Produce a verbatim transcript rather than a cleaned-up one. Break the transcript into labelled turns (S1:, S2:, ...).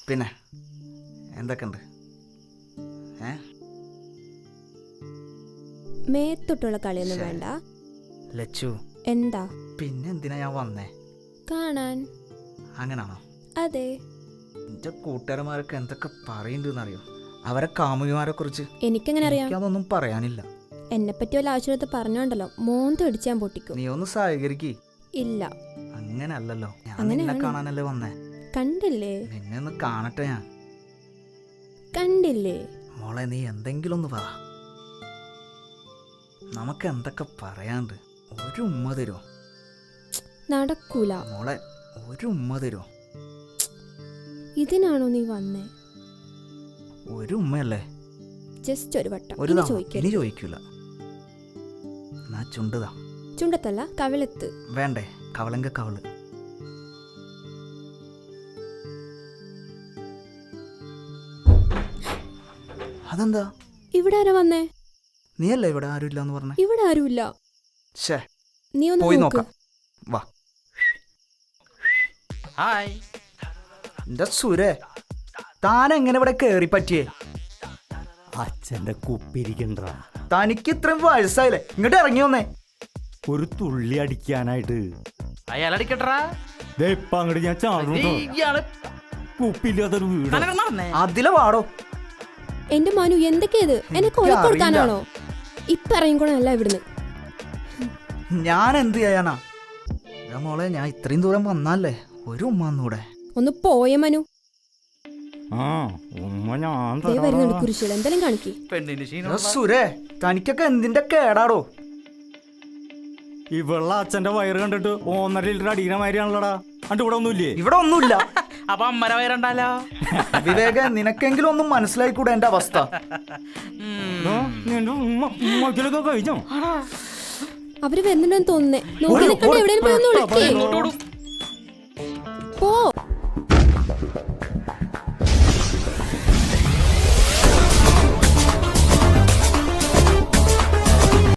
S1: പിന്നെ എന്തൊക്കെയുണ്ട്? ഏ
S2: മേത്തൊട്ടുള്ള കളിയൊന്നും
S1: ശ്ശേ.
S2: വേണ്ട.
S1: ലച്ചു,
S2: എന്താ?
S1: പിന്നെ എന്തിനാ ഞാൻ വന്നേ?
S2: കാണാൻ.
S1: അങ്ങനാണോ?
S2: അതെ.
S1: എൻ്റെ കൂട്ടുകാരന്മാരൊക്കെ എന്തൊക്കെ പറയുന്നുണ്ടെന്നറിയോ? അവരെ കാമുകിമാരെ കുറിച്ച്.
S2: എനിക്കെങ്ങനെ അറിയാം?
S1: എനിക്കതൊന്നും പറയാനില്ല.
S2: എന്നെ പറ്റി വല്ല ആവശ്യത്ത് പറഞ്ഞോണ്ടല്ലോ മോന്ത് അടിച്ചാൻ പൊട്ടിക്കും.
S1: നീ ഒന്ന് സഹകരിക്ക്.
S2: ഇല്ല,
S1: അങ്ങനല്ലല്ലോ, ഞാൻ
S2: അങ്ങനെയാണ്.
S1: നിന്നെ കാണാനല്ലേ വന്നേ.
S2: കണ്ടില്ലേ
S1: നിന്നെ ഒന്ന് കാണട്ടെ ഞാൻ.
S2: കണ്ടില്ലേ?
S1: മോളെ, നീ എന്തെങ്കിലും ഒന്ന് പറ. നമുക്ക് എന്തൊക്കെ പറയാണ്ട്. ഒരു ഉമ്മ തരുമോ?
S2: നടക്കൂല.
S1: മോളെ, ഒരു ഉമ്മ തരുമോ?
S2: ഇതിനാണോ നീ വന്നേ?
S1: ഒരു ഉമ്മയല്ലേ?
S2: ജസ്റ്റ് ഒരു വട്ടം.
S1: ഒരു
S2: ഇനി
S1: തവണ.
S2: ചോദിക്കരുത്.
S1: ഇനി ചോദിക്കൂല. എന്നാ ചുണ്ടുതാ.
S2: ചുണ്ടത്തല്ല, കവിളത്ത്.
S1: വേണ്ടേ? കവളങ്ക കവള്. അതെന്താ?
S2: ഇവിടെ ആരാ വന്നേ?
S1: നീയല്ലേ ഇവിടെ ആരും ഇല്ലാന്ന് പറഞ്ഞേ?
S2: ഇവിടെ ആരുമില്ല.
S1: ഷേ,
S2: നീ ഒന്ന്
S1: പോയി
S2: നോക്ക്.
S1: നോക്കാം. വാ. ഹായ്. എന്റെ സുരേ, താൻ എങ്ങനെ ഇവിടെ കേറി പറ്റിയേ?
S3: അച്ഛന്റെ കുപ്പിരിക്കണ്ട.
S1: തനിക്ക് ഇത്രയും വയസ്സായില്ലേ? ഇങ്ങോട്ട് ഇറങ്ങി വന്നേ.
S3: ഒരു തുള്ളി അടിക്കാനായിട്ട്
S4: അയാളടിക്കട്ടാ.
S3: ഇപ്പൊ അങ്ങോട്ട് ഞാൻ ചാടുന്നു. കുപ്പില്ലാത്തൊരു വീട്.
S1: അതിലെ വാടോ.
S2: എന്റെ മനു, എന്തൊക്കെയത്? എന്നെ കൊല കൊടുക്കാനാണോ? ഇപ്പൊ ഇറങ്ങിക്കോണല്ല ഇവിടുന്ന്.
S1: ഞാൻ എന്ത് ചെയ്യാനാ? മോളെ, ഞാൻ ഇത്രയും ദൂരം വന്നല്ലേ, ഒരു ഉമ്മ ഒന്നൂടെ.
S2: ഒന്ന് പോയ മനു.
S3: ആ ഉമ്മ ഞാൻ
S2: ദേ വരുന്നുണ്ട് കുരിശികൾ. എന്തെങ്കിലും കാണിക്കേ.
S4: പെണ്ണിന്
S1: എടാ സുരേ, തനിക്കൊക്കെ എന്തിന്റെ കേടാടോ?
S3: ഇവള അച്ഛന്റെ വയറ് കണ്ടിട്ട് ഒന്നര ലിറ്റർ അടിക്കുന്ന മാതിരിയാണല്ലോടാ. അണ്ട് ഇവിടെ ഒന്നുമില്ലേ?
S1: ഇവിടെ ഒന്നുമില്ല.
S4: അപ്പൊ അമ്മര വയറുണ്ടല്ലോ.
S1: വിവേക, നിനക്കെങ്കിലും ഒന്നും മനസ്സിലായിക്കൂടെ എന്റെ അവസ്ഥ?
S3: ദാ, നിന്റെ ഉമ്മ ഉമ്മക്കിലൊക്കെ കഴിച്ചോ?
S2: അവര് വരുന്നുണ്ടെന്ന് തോന്നുന്നേ. നോക്കി നിൽക്കണ്ട, എവിടെയും പോയി ഒന്ന് വിളിക്കേ. പോ.